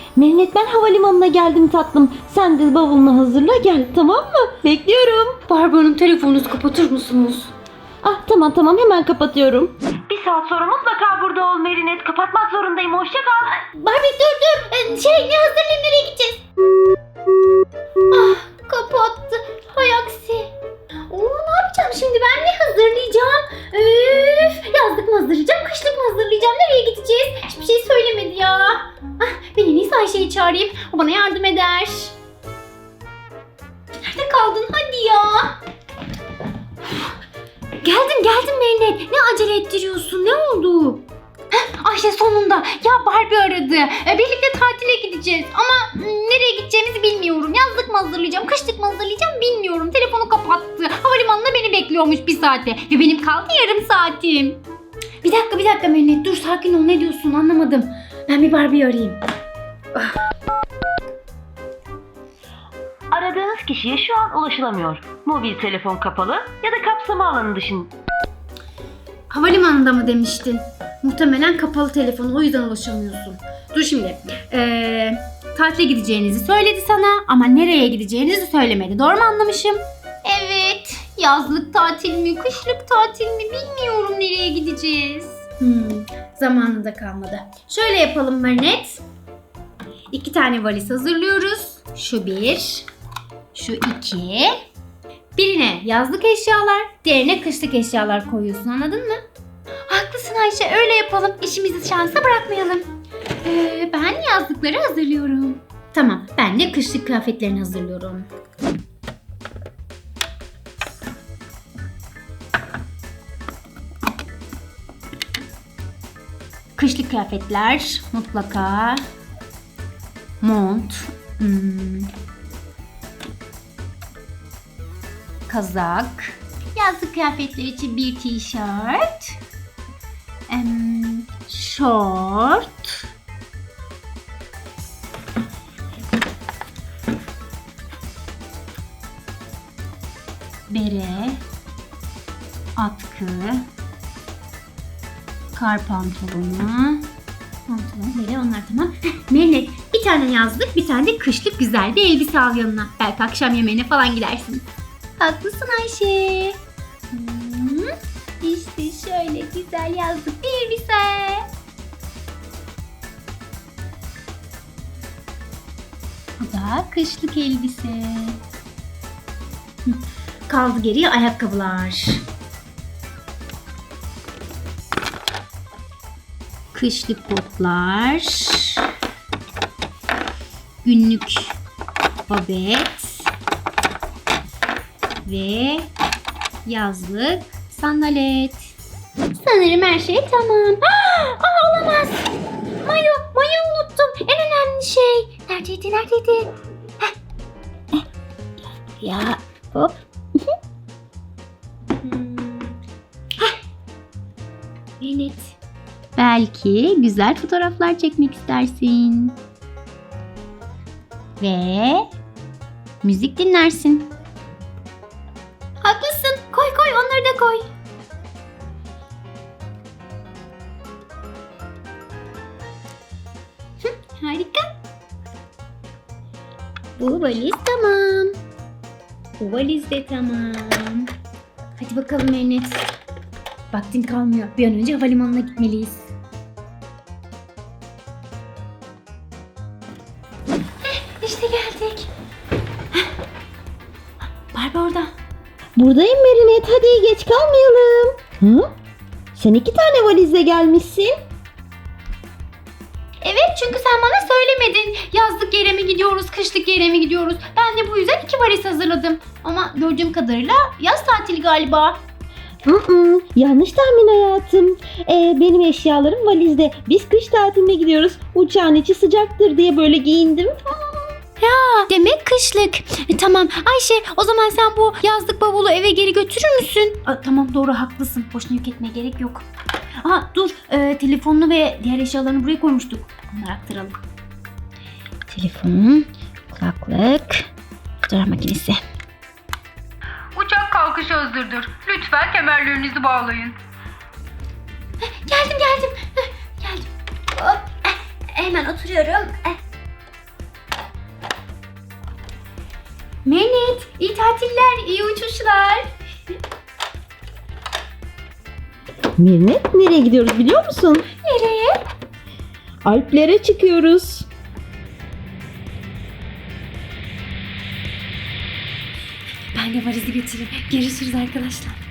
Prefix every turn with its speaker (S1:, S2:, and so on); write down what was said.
S1: Mehmet, ben havalimanına geldim tatlım. Sen de bavulunu hazırla gel, tamam mı? Bekliyorum.
S2: Barbie telefonunuzu kapatır mısınız?
S1: Ah tamam hemen kapatıyorum. Bir saat sonra mutlaka burada ol Merinet. Kapatmak zorundayım. Hoşça kal.
S2: Barbie dur. Ne hazırlayayım, nereye gideceğiz? Kapattı. Hay aksi. Ne yapacağım şimdi, ben ne hazırlayacağım? Yazlık mı hazırlayacağım, kışlık mı hazırlayacağım, nereye gideceğiz? Hiçbir şey söylemedi ya. Ben en iyisi Ayşe'yi çağırayım, o bana yardım eder. Nerede kaldın, hadi ya. Geldim Mehmet. Ne acele ettiriyorsun, ne oldu? Ayşe sonunda. Ya Barbie aradı. Birlikte tatile gideceğiz. Ama nereye gideceğimizi bilmiyorum. Yazlık mı hazırlayacağım, kışlık mı hazırlayacağım bilmiyorum. Telefonu kapattı. Havalimanında beni bekliyormuş bir saate. Ve benim kaldı yarım saatim. Bir dakika Mehmet. Dur sakin ol, ne diyorsun anlamadım. Ben bir Barbie'yi arayayım.
S1: Aradığınız kişiye şu an ulaşılamıyor. Mobil telefon kapalı ya da kapsama alanı dışında.
S2: Havalimanında mı demiştin? Muhtemelen kapalı telefon, o yüzden ulaşamıyorsun. Dur şimdi. Tatile gideceğinizi söyledi sana ama nereye gideceğinizi söylemedi. Doğru mu anlamışım? Evet. Yazlık tatil mi, kışlık tatil mi bilmiyorum, nereye gideceğiz. Zamanı da kalmadı. Şöyle yapalım Merinet. 2 tane valiz hazırlıyoruz. Şu 1, şu 2. Birine yazlık eşyalar, diğerine kışlık eşyalar koyuyorsun, anladın mı? Haklısın Ayşe, öyle yapalım. İşimizi şansa bırakmayalım. Ben yazlıkları hazırlıyorum. Tamam, ben de kışlık kıyafetlerini hazırlıyorum. Kışlık kıyafetler mutlaka. Mont. Kazak. Yazlık kıyafetler için bir tişört. Şort. Bere. Atkı. Kar pantolonu. Bere, onlar tamam. Merinet, bir tane yazlık, bir tane de kışlık güzel bir elbise al yanına. Belki akşam yemeğine falan gidersin. Haklısın Ayşe. İşte şöyle güzel yazlık bir elbise. Bu da kışlık elbise. Kaldı geriye ayakkabılar. Kışlık botlar. Günlük babet. Ve yazlık sandalet. Sanırım her şey tamam. Olamaz. Mayo unuttum. En önemli şey. Neredeydi? Ya hop. Evet. Belki güzel fotoğraflar çekmek istersin. Ve müzik dinlersin. Haklısın. Koy onları da koy. Harika. Bu valiz tamam. Bu valiz de tamam. Hadi bakalım Merinet. Vaktin kalmıyor. Bir an önce havalimanına gitmeliyiz. İşte geldik. Barbie orada.
S1: Buradayım Merinet, hadi geç kalmayalım. Hı? Sen 2 tane valizle gelmişsin.
S2: Evet, çünkü sen bana söylemedin. Yazlık yere mi gidiyoruz, kışlık yere mi gidiyoruz? Ben de bu yüzden 2 valiz hazırladım. Ama gördüğüm kadarıyla yaz tatili galiba.
S1: Yanlış tahmin hayatım. Benim eşyalarım valizde. Biz kış tatiline gidiyoruz. Uçağın içi sıcaktır diye böyle giyindim.
S2: Demek kışlık. Tamam Ayşe, o zaman sen bu yazlık bavulu eve geri götürür müsün? Tamam, doğru, haklısın. Boşuna yük etmeye gerek yok. Dur, telefonunu ve diğer eşyalarını buraya koymuştuk. Onları aktaralım.
S1: Telefon, kulaklık, fotoğraf makinesi.
S3: Uçak kalkışı hazırdır. Lütfen kemerlerinizi bağlayın.
S2: Geldim. Geldim. Hop. Hemen oturuyorum. Mehmet, iyi tatiller, iyi uçuşlar.
S1: Mehmet, nereye gidiyoruz biliyor musun?
S2: Nereye?
S1: Alplere çıkıyoruz.
S2: Ben de valizi götüreyim. Görüşürüz arkadaşlar.